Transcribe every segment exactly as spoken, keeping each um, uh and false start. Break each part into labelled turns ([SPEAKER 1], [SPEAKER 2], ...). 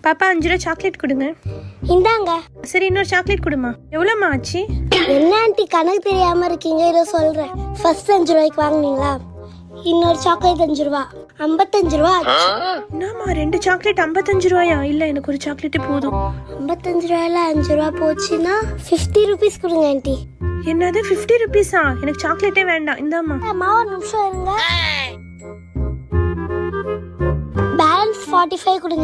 [SPEAKER 1] பாப்பா அஞ்சு ரூபா சாக்லேட் கொடுங்க.
[SPEAKER 2] இந்தாங்க.
[SPEAKER 1] சரி இன்னொரு சாக்லேட் கொடுமா. எவ்வளோம்மா ஆச்சு?
[SPEAKER 2] என்ன ஆண்டி கணக்கு தெரியாம இருக்கீங்க? இதோ சொல்றேன். ஃபர்ஸ்ட் அஞ்சு ரூபாய்க்கு வாங்குனீங்களா, இன்னொரு சாக்லேட் அஞ்சு ரூபா, ஐம்பத்தஞ்சு ரூபா.
[SPEAKER 1] என்னம்மா ரெண்டு சாக்லேட் ஐம்பத்தஞ்சு ரூபாயா? இல்ல எனக்கு ஒரு சாக்லேட் போதும்.
[SPEAKER 2] ஐம்பத்தஞ்சு ரூபாயில அஞ்சு ரூபா போச்சுன்னா ஃபிஃப்டி ருபீஸ் கொடுங்க ஆண்டி.
[SPEAKER 1] என்னது ஃபிஃப்டி ருபீஸா? எனக்கு சாக்லேட்டே வேண்டாம். இந்தாம்மா.
[SPEAKER 2] அம்மா ஒரு நிமிஷம் இருங்க. பேலன்ஸ் ஃபார்ட்டி ஃபைவ் கொடுங்க.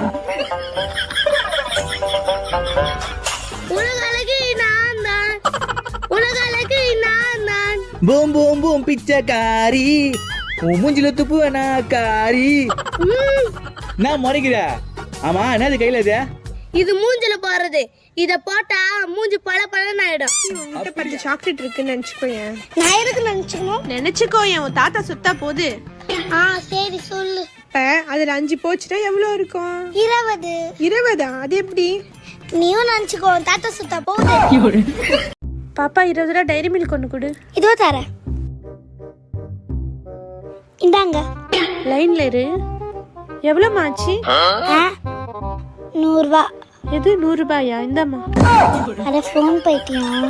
[SPEAKER 2] உலகளக்கு நான் தான், உலகளக்கு நான் தான்.
[SPEAKER 3] பூம் பூம் பூம் பிச்சைக்காரி, உன் மூஞ்சில துப்புவனா காரி. நான் முறைக்கிற. ஆமா என்னது கையில இது?
[SPEAKER 2] இது மூஞ்சில போறது. இத போட்டா மூஞ்சி பல பலன்னு ஆயிடும்.
[SPEAKER 1] உன்கிட்ட பத்து சாக்லேட் இருக்குன்னு நினைச்சுக்கோயேன்.
[SPEAKER 2] நான் எதுக்கு நினைச்சுக்கணும்?
[SPEAKER 1] நினைச்சுக்கோயேன். உன் தாத்தா சுத்தா போகுது.
[SPEAKER 2] ஆ சரி சொல்லு.
[SPEAKER 1] இப்ப அதுல அஞ்சு போச்சுன்னா எவ்வளவு இருக்கும்?
[SPEAKER 2] இருபது.
[SPEAKER 1] இருபதா? அது எப்படி?
[SPEAKER 2] நீயும் நினைச்சுக்கோ, தாத்தா சுத்தா போகுது.
[SPEAKER 1] பாப்பா இருபது ரூபா டைரி மில்க் ஒன்று கொடு.
[SPEAKER 2] இதோ தரேன். இந்தாங்க.
[SPEAKER 1] லைன்ல இரு. எவ்வளவு ஆச்சு?
[SPEAKER 2] நூறு ரூபா.
[SPEAKER 1] எது நூறு ரூபாயா? இந்தாம்மா.
[SPEAKER 2] அட ஃபோன் பைத்தியம்.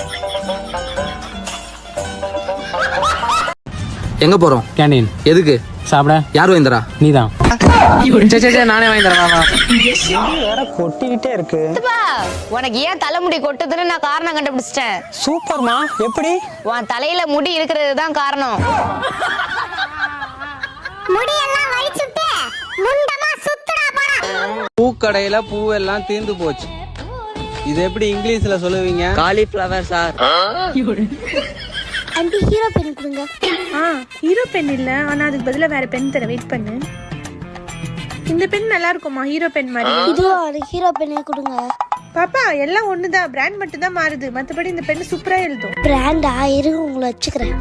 [SPEAKER 4] எங்க போறோம்?
[SPEAKER 5] கேண்டீன்.
[SPEAKER 4] எதுக்கு?
[SPEAKER 5] சாப்பிட.
[SPEAKER 4] யார் வாங்கி தரா?
[SPEAKER 5] நீதான்.
[SPEAKER 4] சே சே நானே வாங்கி தரேன்.
[SPEAKER 5] வேற கொட்டிக்கிட்டே இருக்கு.
[SPEAKER 6] உனக்கு ஏன் தலைமுடி கொட்டுதுன்னு நான் காரணம் கண்டுபிடிச்சிட்டேன்.
[SPEAKER 5] சூப்பர்மா. எப்படி?
[SPEAKER 6] உன் தலையில முடி இருக்கிறது தான் காரணம்.
[SPEAKER 2] முடியெல்லாம் வலிச்சுட்டு முண்டமா சுத்துடா போடா.
[SPEAKER 7] பூக்கடையில பூவெல்லாம் தீர்ந்து போச்சு. இது எப்படி இங்கிலீஷ்ல சொல்லுவீங்க?
[SPEAKER 4] Cauliflower sir.
[SPEAKER 2] Aunty hero pen கொடுங்க.
[SPEAKER 1] ஆ ஹீரோ பென் இல்ல, ஆனா அதுக்கு பதிலா வேற பென் தர. வெயிட் பண்ணு. இந்த பென் நல்லா இருக்குமா ஹீரோ பென் மாதிரி?
[SPEAKER 2] இது ஒரு ஹீரோ பென்னே கொடுங்க.
[SPEAKER 1] பாப்பா எல்லாம் ஒண்ணுதான், பிராண்ட் மட்டும் தான் மாறுது. மத்தபடி இந்த பென் சூப்பரா எழுதும்.
[SPEAKER 2] பிராண்டா? இருங்க உங்களை வச்சுக்கிறேன்.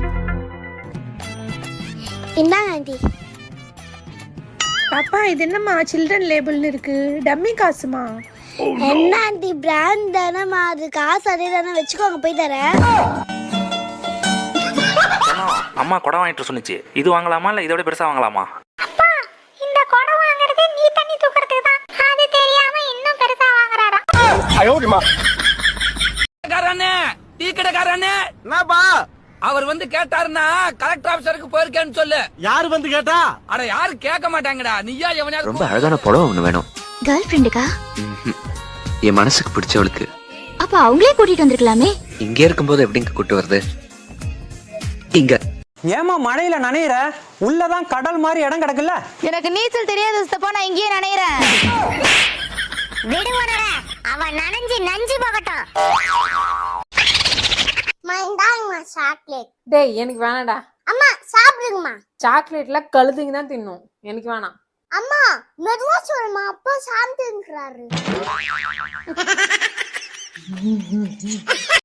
[SPEAKER 2] இந்தாங்க ஆண்டி.
[SPEAKER 1] பாப்பா இது என்னம்மா சில்ட்ரன் லேபிள்னு இருக்கு? டம்மி காசுமா?
[SPEAKER 2] என்ன ஆண்டி பிராண்ட் தானேம்மா, அது காசு அதே தானே, வச்சுக்கோங்க போய் தரேன்.
[SPEAKER 8] அம்மா குடம் வாங்கிட்டு சொன்னிச்சு. இது வாங்கலாமா இல்ல இதோட பெருசா வாங்கலாமா?
[SPEAKER 2] அப்பா இந்த குடம் வாங்குறது நீ தண்ணி தூக்குறதுக்கு தான். அது தெரியாம இன்னும் பெருசா வாங்குறாரா?
[SPEAKER 9] கடைக்காரனே, டீ கடைக்காரனே.
[SPEAKER 7] என்னப்பா?
[SPEAKER 9] அவர் வந்து கேட்டாருன்னா கலெக்டர் ஆபீசருக்கு போயிருக்கேன்னு சொல்லு.
[SPEAKER 7] யாரு வந்து கேட்டா?
[SPEAKER 9] அட யாரு கேட்க மாட்டாங்கடா. நீயா எவனையாவது?
[SPEAKER 4] ரொம்ப அழகான புடவை ஒண்ணு வேணும்.
[SPEAKER 10] கேர்ள் ஃப்ரெண்டுக்கா?
[SPEAKER 4] என் மனசுக்கு பிடிச்சவளுக்கு.
[SPEAKER 10] அப்ப அவங்களே கூட்டிட்டு வந்திருக்கலாமே.
[SPEAKER 4] இங்க இருக்கும்போது எப்படிங்க கூட்டு வருது? இங்க.
[SPEAKER 5] ஏமா மழையில நனையிற? உள்ளதான் கடல் மாதிரி இடம் கிடக்குல்ல.
[SPEAKER 6] எனக்கு நீச்சல் தெரியாது சித்தப்பா, நான் இங்கேயே நினைக்கிறேன்.
[SPEAKER 2] விடுவனர அவன் நனைஞ்சு நஞ்சு போகட்டும். மைண்டாங்கமா சாக்லேட்.
[SPEAKER 11] டேய் எனக்கு வேணாடா.
[SPEAKER 2] அம்மா சாப்பிடுங்கம்மா.
[SPEAKER 11] சாக்லேட்ல கழுதுங்க தான் தின்னும். எனக்கு வேணாம்.
[SPEAKER 2] அம்மா மெதுவா சொல்லுமா, அப்பா சாப்பிட்டுன்றாரு.